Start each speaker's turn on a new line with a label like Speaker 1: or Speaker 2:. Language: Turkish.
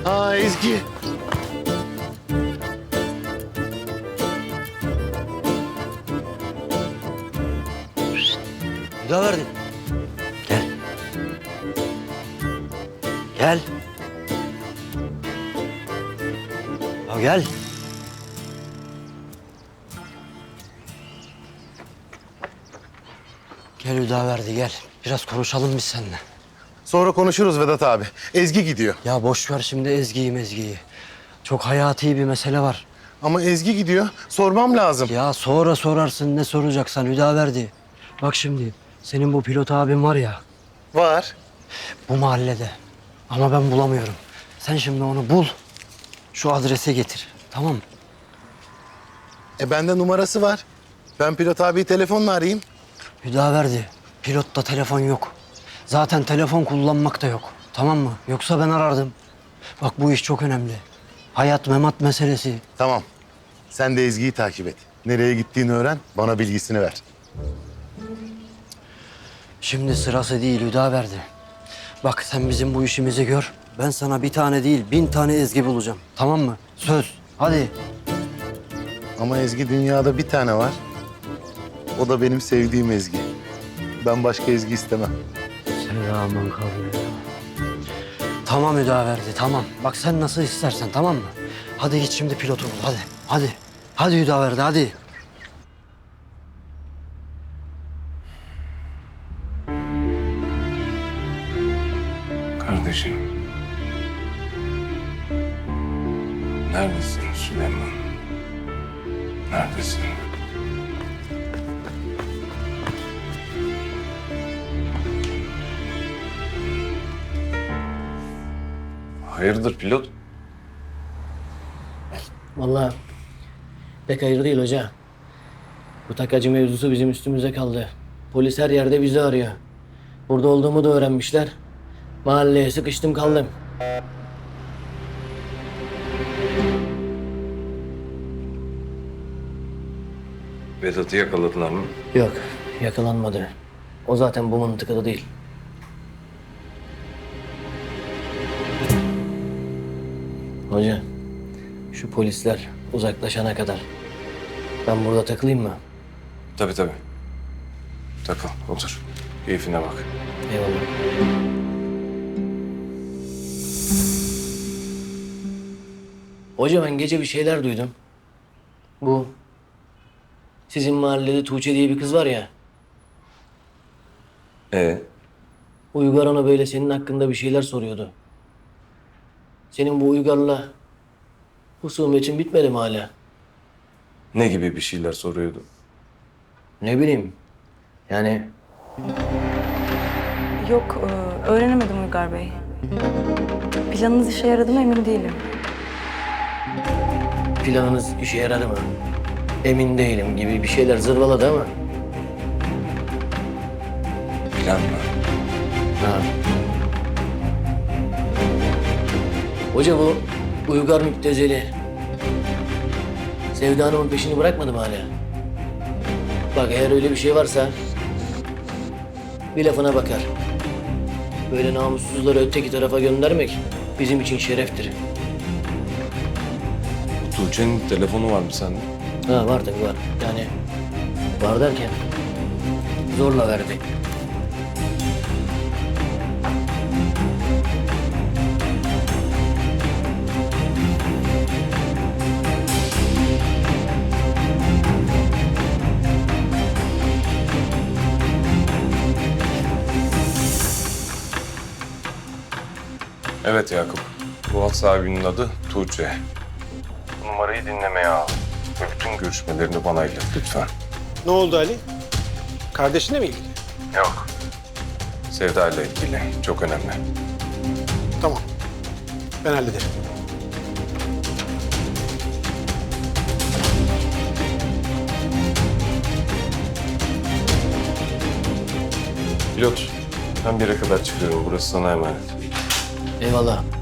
Speaker 1: Ha Ezgi.
Speaker 2: Hüdaverdi. Gel. Gel. Ya gel. Gel Hüdaverdi gel. Biraz konuşalım biz seninle.
Speaker 1: Sonra konuşuruz Vedat abi. Ezgi gidiyor.
Speaker 2: Ya boş ver şimdi Ezgi'yi. Çok hayati bir mesele var.
Speaker 1: Ama Ezgi gidiyor. Sormam lazım.
Speaker 2: Ya sonra sorarsın ne soracaksan Hüdaverdi. Bak şimdi senin bu pilot abin var ya
Speaker 1: Var.
Speaker 2: bu mahallede. Ama ben bulamıyorum. Sen şimdi onu bul. Şu adrese getir. Tamam mı?
Speaker 1: Bende numarası var. Ben pilot abiyi telefonla arayayım.
Speaker 2: Hüdaverdi. Pilotta telefon yok. Zaten telefon kullanmak da yok. Tamam mı? Yoksa ben arardım. Bak bu iş çok önemli. Hayat memat meselesi.
Speaker 1: Tamam. Sen de Ezgi'yi takip et. Nereye gittiğini öğren, bana bilgisini ver.
Speaker 2: Şimdi sırası değil Hüdaverdi. Bak sen bizim bu işimizi gör. Ben sana bir tane değil 1000 tane Ezgi bulacağım. Tamam mı? Söz. Hadi.
Speaker 1: Ama Ezgi dünyada bir tane var. O da benim sevdiğim Ezgi. Ben başka Ezgi istemem.
Speaker 2: Selamun kavle. Tamam Hüdaverdi tamam. Bak sen nasıl istersen tamam mı? Hadi git şimdi pilotu bul hadi. Hadi. Hadi Hüdaverdi hadi.
Speaker 3: Kardeşim. Neredesin Süleyman? Neredesin? Hayırdır pilot?
Speaker 4: Vallahi pek hayır değil hoca. Bu takacı mevzusu bizim üstümüze kaldı. Polis her yerde bizi arıyor. Burada olduğumu da öğrenmişler. Mahalleye sıkıştım kaldım.
Speaker 3: Vedat'ı yakaladılar mı?
Speaker 4: Yok, yakalanmadı. O zaten bu mıntıkada değil. Hoca, şu polisler uzaklaşana kadar ben burada takılayım mı?
Speaker 3: Tabii. Takıl, otur. Keyfine bak.
Speaker 4: Eyvallah. Hoca ben gece bir şeyler duydum. Bu sizin mahallede Tuğçe diye bir kız var ya. Uygar ona böyle senin hakkında bir şeyler soruyordu. Senin bu Uygar'la husumetin bitmedi mi hala?
Speaker 3: Ne gibi bir şeyler soruyordu?
Speaker 4: Ne bileyim. Yani
Speaker 5: Yok, öğrenemedim Uygar Bey. Planınız işe yaradı mı emin değilim.
Speaker 4: planınız işe yaradı mı? Emin değilim gibi bir şeyler zırvaladı ama.
Speaker 3: Plan mı?
Speaker 4: Ha. Hoca bu Uygar müptezeli. Sevda Hanım'ın peşini bırakmadı mı hala? Bak eğer öyle bir şey varsa bir lafına bakar. Böyle namussuzları öteki tarafa göndermek bizim için şereftir.
Speaker 3: Tuğçe'nin telefonu var mı sende?
Speaker 4: Ha var tabii var. Yani var derken zorla verdi.
Speaker 3: Evet Yakup. Bu hat sahibinin adı Tuğçe. Numarayı dinlemeye al. Ve bütün görüşmelerini bana ilet lütfen.
Speaker 6: Ne oldu Ali? Kardeşinle mi ilgili?
Speaker 3: Yok. Sevda ile ilgili. Çok önemli.
Speaker 6: Tamam. Ben hallederim.
Speaker 3: Pilot, ben bir yere kadar çıkıyorum. Burası sana emanet.
Speaker 4: Eyvallah.